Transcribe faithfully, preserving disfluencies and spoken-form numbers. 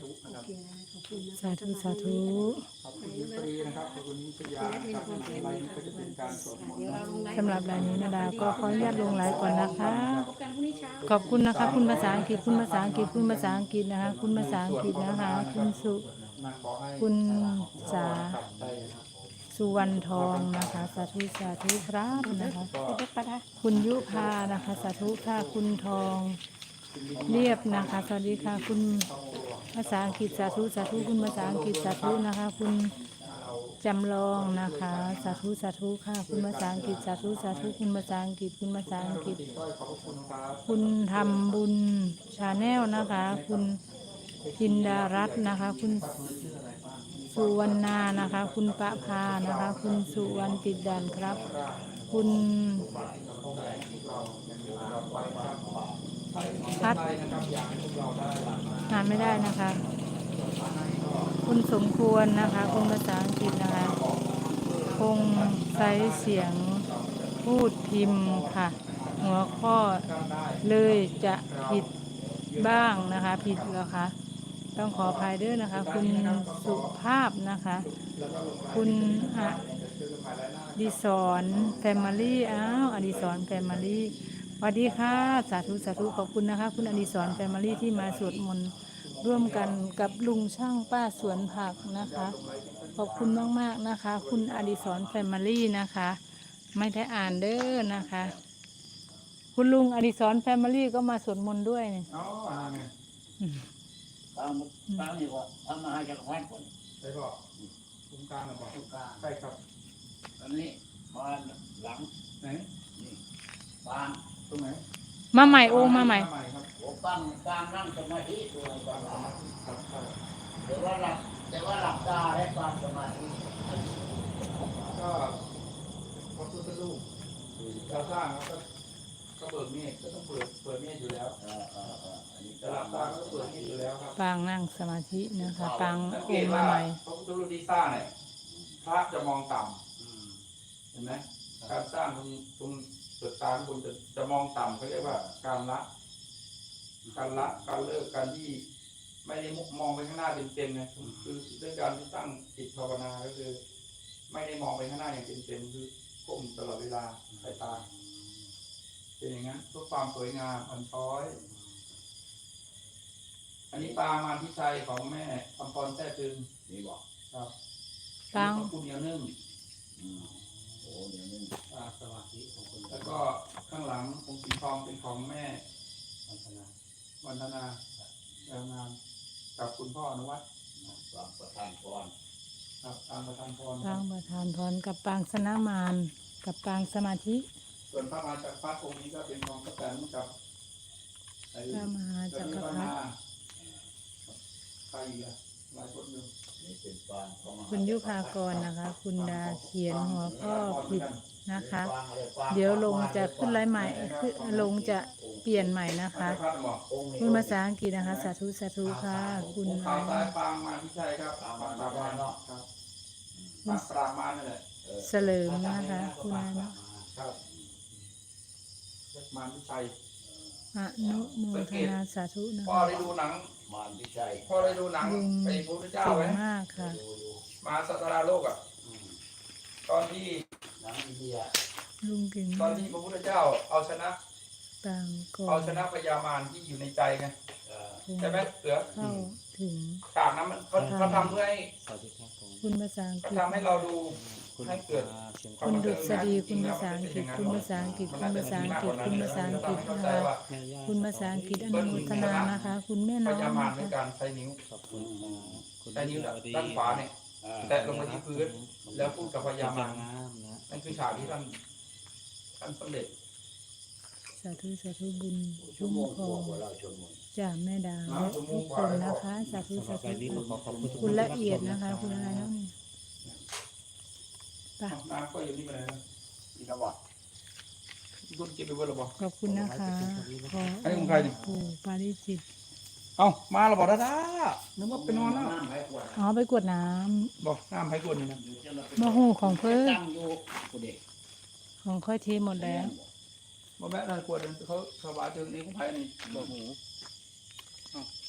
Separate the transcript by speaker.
Speaker 1: ธุนะครับ
Speaker 2: สาธุสาธุ
Speaker 1: ขอบคุณฟรีนะครับขอบคุณนิชยานะครับอะไรนี้ก็จะเป็นการสวดมนต์
Speaker 2: สำหรับรายนี้นาดาก็ขออนุญาตลงไลฟ์ก่อนนะคะ ขอบคุณนะคะ คุณภาษาอังกฤษคุณภาษาอังกฤษคุณภาษาอังกฤษนะคะ คุณภาษาอังกฤษนะคะ คุณสุคุณสาสุวรรณทองนะคะสาธุสาธุครับนะคะคุณยุพานะคะสาธุค่ะคุณทองเรียบนะคะสวัสดีค่ะคุณภาษาอังกฤษสาธุสาธุคุณภาษาอังกฤษสาธุนะคะ คุณจำลองนะคะสาธุสาธุค่ะคุณภาษาอังกฤษสาธุสาธุคุณภาษาอังกฤษคุณภาษาอังกฤษคุณทำบุญชาแนลนะคะ คุณจินดารัตน์นะคะ คุณสุวรรณานะคะ คุณประภานะคะ คุณสุวรรณติดดันครับ คุณพัดงานไม่ได้นะคะ คุณสมควรนะคะ คุณภาษาอังกฤษนะคะคงใช้เสียงพูดพิมพ์ค่ะ หัวข้อเลยจะผิดบ้างนะคะ ผิดแล้วคะต้องขออภัยด้วยนะคะ คุณสุภาพนะคะ คุณอดิศรแฟมิลี่อ้าวอดิศรแฟมิลี่สวัสดีค่ะสาธุสาธุขอบคุณนะคะ คุณอดิศรแฟมิลี่ที่มาสวดมนต์ร่วมกันกับลุงช่างป้าสวนผักนะคะ ขอบคุณมากๆนะคะ คุณอดิศรแฟมิลี่นะคะ ไม่ได้อ่านเด้อนะคะ คุณลุงอดิศรแฟมิลี่ก็มาสวดมนต์ด้วยเนี่ย
Speaker 1: อ๋อไง
Speaker 3: ตามตามนี่ก็ทำมาให้จากวัดก่อน
Speaker 1: ใช่ป่ะตรงกลางหรือเปล่า
Speaker 3: ทุกการ
Speaker 1: ใช่ครับ
Speaker 3: อันนี้มาหลัง
Speaker 1: ไหน
Speaker 3: นี่ปาง
Speaker 1: ตรงไหน
Speaker 2: มาใหม่โอ้มาใหม่
Speaker 1: ใหม่ครับ
Speaker 3: หัวปังกลางนั่งสมาธิตัวปาง
Speaker 1: ครับครับ
Speaker 3: แต่ว่าหลับแต่ว่าหลับตาได้ปางสมาธิ
Speaker 1: ก็พระพุทธรูปเราสร้างแล้วก็ก็เบิกเมฆก็ต้องเปิดเปิดเมฆอยู่แล้ว
Speaker 3: เออเออเอออันนี้
Speaker 1: จะหลับตาก็ต้องเปิดเมฆอยู่แล้วครับ
Speaker 2: ปางนั่งสมาธินะคะปาง
Speaker 1: สัง
Speaker 2: โอ
Speaker 1: เกต
Speaker 2: มา
Speaker 1: ว่า
Speaker 2: ใหม่
Speaker 1: พระพุทธรูปที่สร้างเนี่ยพระจะมองต่ำ
Speaker 3: อืม
Speaker 1: เห็นไหมการสร้างตรงตรงเปิดตาคุณจะจะมองต่ำเขาเรียกว่าการละการละการเลิกการที่ไม่ได้มองไปข้างหน้าเต็มๆนะคือด้วยการที่ตั้งจิตภาวนาก็คือ ไม่ได้มองไปข้างหน้าอย่างเต็มๆคือก้มตลอดเวลาสายตาเป็นอย่างนั้นเพื่อความสวยงามอ่อนช้อย อันนี้ปลามาพิชัยของแม่คำพรแท้ตึง
Speaker 3: นี่บอก
Speaker 1: ครับ
Speaker 2: ปาง
Speaker 1: ขอบคุณเหนียวนึ่ง
Speaker 3: อืมโอ้เดี๋ยวนึง
Speaker 1: อ่าสวัสดีของคุณแล้วก็ข้างหลังองค์สีทองเป็นของแม่วันธนาวันธนาแรงงานกับคุณพ่ออนุวัฒน์
Speaker 3: ปางประธานพร
Speaker 1: ครับตามประธานพรค
Speaker 2: ปา
Speaker 1: รั
Speaker 2: ง
Speaker 1: บ
Speaker 2: ประธานพรกับปางสนามานกับปางสมาธิ
Speaker 1: ส่วนพระมหาจักรพรรดิองค์นี้ก็เป็นของพระแตนกับไอ้
Speaker 2: พระมหาจักรพรรดิ
Speaker 1: ใครอีกอะหลายคนอยู่
Speaker 3: นี่เป็นปางของมหา
Speaker 2: คุณยุพากรนะคะ คุณดาเขียนหัวข้อผิดนะคะ
Speaker 3: ปางอะไรปาง
Speaker 2: เดี๋ยวลงจะขึ้นไลฟ์ใหม่ขึ้นลงจะเปลี่ยนใหม่นะคะ
Speaker 1: จักรพรรดิบอก
Speaker 3: องค์นี้
Speaker 2: คุณภาษาอังกฤษนะคะ สาธุสาธุค่ะ คุณ
Speaker 1: องค์ขาวซ้ายปางมาพิชัยครับปางปราบมารเนาะครับปางปราบมารนั่นแหละ
Speaker 2: เสลิมนะคะ คุณอะไรเนาะ
Speaker 1: ครับมารพิชัย
Speaker 2: อนุโมทนาสาธุนะ
Speaker 1: พ่อ
Speaker 2: คะ
Speaker 1: ได้ดูหนัง
Speaker 3: มารพิชัย
Speaker 1: พ่อได้ดูหนัง
Speaker 2: ลุง
Speaker 1: ไอ้พระพุทธเจ้า
Speaker 2: เก่ง
Speaker 1: ไหม
Speaker 2: มากค่ะ
Speaker 3: ดูอยู่
Speaker 1: มาสัตราโลกอ่ะ
Speaker 3: อืม
Speaker 1: ตอนที่
Speaker 3: หนังอินเดีย
Speaker 2: ลุงเก่ง
Speaker 1: ตอ
Speaker 2: มาน ก
Speaker 1: ที่พระพุทธเจ้าเอาชนะ
Speaker 2: ปางก่อ
Speaker 1: เอา
Speaker 2: น
Speaker 1: ชนะพญามารที่อยู่ในใจไง
Speaker 3: เออ
Speaker 1: ใช่ไหมเสือ
Speaker 2: เข้าถึง
Speaker 1: ฉากนั้นมันเขาเขาทำเพื่อให้
Speaker 4: สวัสดีครับผม
Speaker 2: คุณภาษาอัง
Speaker 1: เขา
Speaker 2: กฤษ
Speaker 1: ทำให้เราดู
Speaker 4: คุณ
Speaker 1: ให้เกิด
Speaker 4: เชียง
Speaker 2: คุณดุษฎีคุณภาษาอังกฤษคุณภาษาอังกฤษคุณภาษาอังกฤษคุณภาษาอังกฤษนะคะ
Speaker 4: แม่ย่า
Speaker 2: คุณภาษาอังกฤษอนุโมทนานะคะ คุณแม่
Speaker 1: พ
Speaker 2: น้อง
Speaker 1: ญามาร
Speaker 2: นะ
Speaker 1: ใน
Speaker 2: คะ
Speaker 1: การใช้นิ้ว
Speaker 4: ขอบคุณครับคุณ
Speaker 1: ใช้นิ้ว
Speaker 4: สวัสดี
Speaker 1: ด้านขวาเนี่ย
Speaker 3: เออ
Speaker 1: แตะลงมาที่พื้น แล้วพูดกับพญามาร
Speaker 4: งามนะ
Speaker 1: นั่นคือฉากที่ท่านท่านสำเร็จ
Speaker 2: สาธุสาธุบุญ
Speaker 3: ชั่
Speaker 2: ชุ่
Speaker 3: ว
Speaker 2: ม
Speaker 3: โมง
Speaker 2: ค
Speaker 3: ก
Speaker 2: อ
Speaker 3: ว่าเราชมมน
Speaker 2: จากแม่ดาและทุกคนนะคะสาธุ
Speaker 4: สำหรั
Speaker 2: สา
Speaker 4: บใบ
Speaker 2: ธุ
Speaker 4: นี้ผมขอขอบคุณทุก
Speaker 2: คุณ
Speaker 4: น
Speaker 2: ละ
Speaker 4: ที่
Speaker 2: เอียด
Speaker 4: รับชม
Speaker 2: นะคะ คุณอะไรแล้วนี่ไป
Speaker 1: น้ำก็อยู่นี่มาเลยนะ
Speaker 3: นี่นะบอก
Speaker 1: คุณกินไปเบอร์หรือเปล่า
Speaker 2: ขอบคุณนะคะขอ
Speaker 1: อันนี้ของใครเนี่ย
Speaker 2: ปู่ปาริจิต
Speaker 1: เอ้ามาแล้วบอกด้าด้านึกว่าไปนอนแล้ว
Speaker 3: นั่งให้กวด
Speaker 2: อ๋อไปกวดน้
Speaker 1: บอกน้ำให้กวนนี่นะ
Speaker 3: อยู่จะมา
Speaker 2: ำมะฮูของเพิ่น
Speaker 3: ตั้งอยู่กูเด็ก
Speaker 2: ของค่อยเทหมดแล้ว
Speaker 1: บอกแม่นายกวนเขาสบายเจอนี้ของไผ่นี่บอกหู